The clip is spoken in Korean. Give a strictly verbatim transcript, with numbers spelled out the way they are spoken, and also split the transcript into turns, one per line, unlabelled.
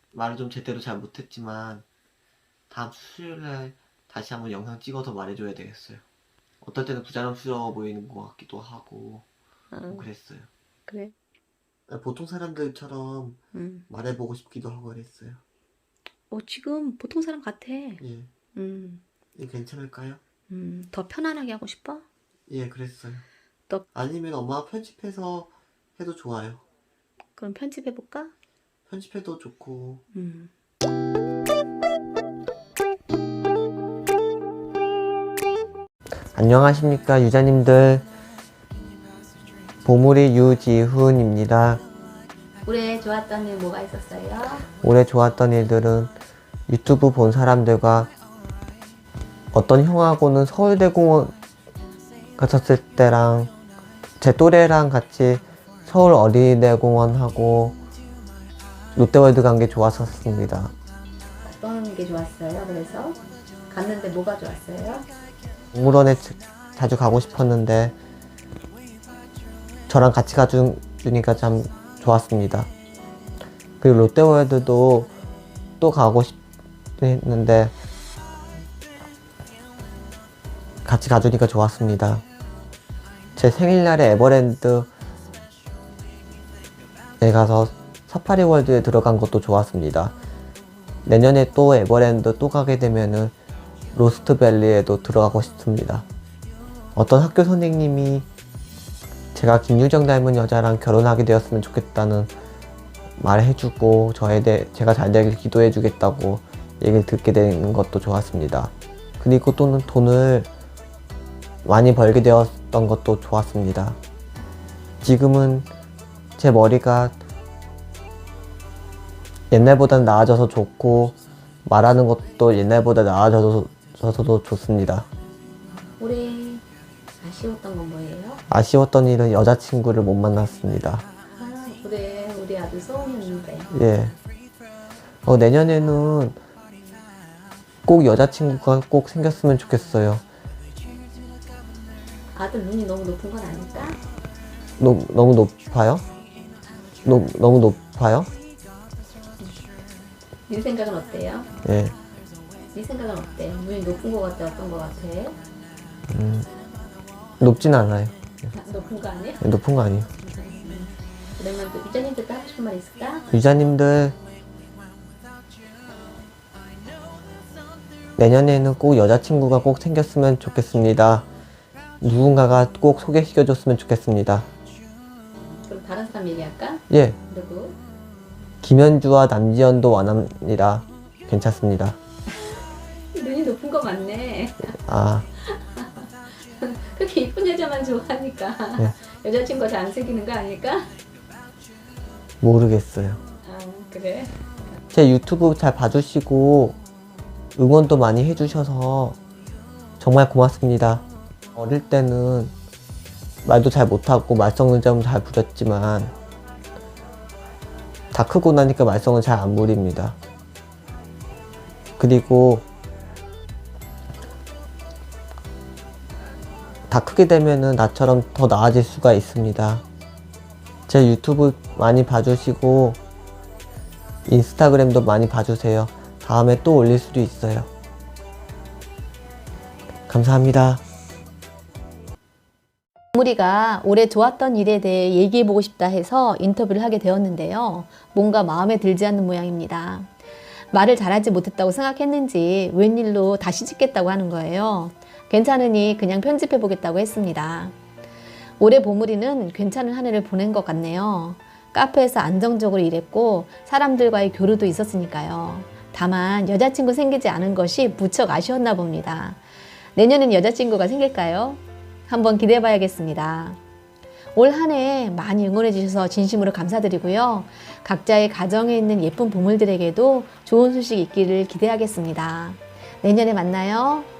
말을 좀 제대로 잘 못했지만 다음 수요일날 다시 한번 영상 찍어서 말해줘야 되겠어요. 어떨 때는 부자연스러워 보이는 것 같기도 하고 뭐
응,
그랬어요.
그래.
보통 사람들처럼
응.
말해보고 싶기도 하고 그랬어요.
어, 지금 보통 사람 같아.
예,
음,
이 괜찮을까요?
음, 더 편안하게 하고 싶어?
예, 그랬어요.
너,
아니면 엄마가 편집해서 해도 좋아요.
그럼 편집해볼까?
편집해도 좋고.
음.
안녕하십니까 유자님들, 보물이 유지훈입니다.
올해 좋았던 일 뭐가 있었어요?
올해 좋았던 일들은 유튜브 본 사람들과 어떤 형하고는 서울대공원 갔었을 때랑 제 또래랑 같이 서울 어린이대공원하고 롯데월드 간 게 좋았었습니다.
어떤 게 좋았어요? 그래서 갔는데 뭐가 좋았어요?
동물원에 자- 자주 가고 싶었는데 저랑 같이 가주니까 참 좋았습니다. 그리고 롯데월드도 또 가고 싶었는데 같이 가주니까 좋았습니다. 제 생일날에 에버랜드에 가서 사파리월드에 들어간 것도 좋았습니다. 내년에 또 에버랜드 또 가게 되면은 로스트밸리에도 들어가고 싶습니다. 어떤 학교 선생님이 제가 김유정 닮은 여자랑 결혼하게 되었으면 좋겠다는 말을 해주고 저에 대해 제가 잘 되길 기도해 주겠다고 얘기를 듣게 되는 것도 좋았습니다. 그리고 또는 돈을 많이 벌게 되었던 것도 좋았습니다. 지금은 제 머리가 옛날보다는 나아져서 좋고 말하는 것도 옛날보다 나아져서도 좋습니다.
올해 아쉬웠던 건 뭐예요?
아쉬웠던 일은 여자친구를 못 만났습니다.
아, 올해 우리 아들 소원이었는데.
예. 어, 내년에는 꼭 여자친구가 꼭 생겼으면 좋겠어요.
아들 눈이 너무 높은 건 아닐까?
노, 너무 높아요? 노, 너무 높아요?
네 생각은 어때요?
예.
네 생각은 어때? 눈이 높은 거 같아? 어떤 거 같아?
음, 높진 않아요.
아, 높은 거 아니야?
예, 높은 거 아니에요.
그러면 또 유자님들도 하고 싶은 말 있을까?
유자님들, 내년에는 꼭 여자친구가 꼭 생겼으면 좋겠습니다. 누군가가 꼭 소개시켜줬으면 좋겠습니다.
그럼 다른 사람 얘기할까?
예.
누구?
김현주와 남지현도 원합니다. 괜찮습니다.
눈이 높은 거 맞네.
아,
그렇게 이쁜 여자만 좋아하니까
네.
여자친구가 잘 안 생기는 거 아닐까?
모르겠어요.
아, 그래?
제 유튜브 잘 봐주시고 응원도 많이 해주셔서 정말 고맙습니다. 어릴 때는 말도 잘 못하고 말썽을 좀 잘 부렸지만 다 크고 나니까 말썽을 잘 안 부립니다. 그리고 다 크게 되면은 나처럼 더 나아질 수가 있습니다. 제 유튜브 많이 봐주시고 인스타그램도 많이 봐주세요. 다음에 또 올릴 수도 있어요. 감사합니다.
우리가 올해 좋았던 일에 대해 얘기해보고 싶다 해서 인터뷰를 하게 되었는데요. 뭔가 마음에 들지 않는 모양입니다. 말을 잘하지 못했다고 생각했는지 웬일로 다시 찍겠다고 하는 거예요. 괜찮으니 그냥 편집해보겠다고 했습니다. 올해 보물이는 괜찮은 한 해를 보낸 것 같네요. 카페에서 안정적으로 일했고 사람들과의 교류도 있었으니까요. 다만 여자친구 생기지 않은 것이 무척 아쉬웠나 봅니다. 내년엔 여자친구가 생길까요? 한번 기대해 봐야겠습니다. 올 한 해 많이 응원해 주셔서 진심으로 감사드리고요. 각자의 가정에 있는 예쁜 보물들에게도 좋은 소식 있기를 기대하겠습니다. 내년에 만나요.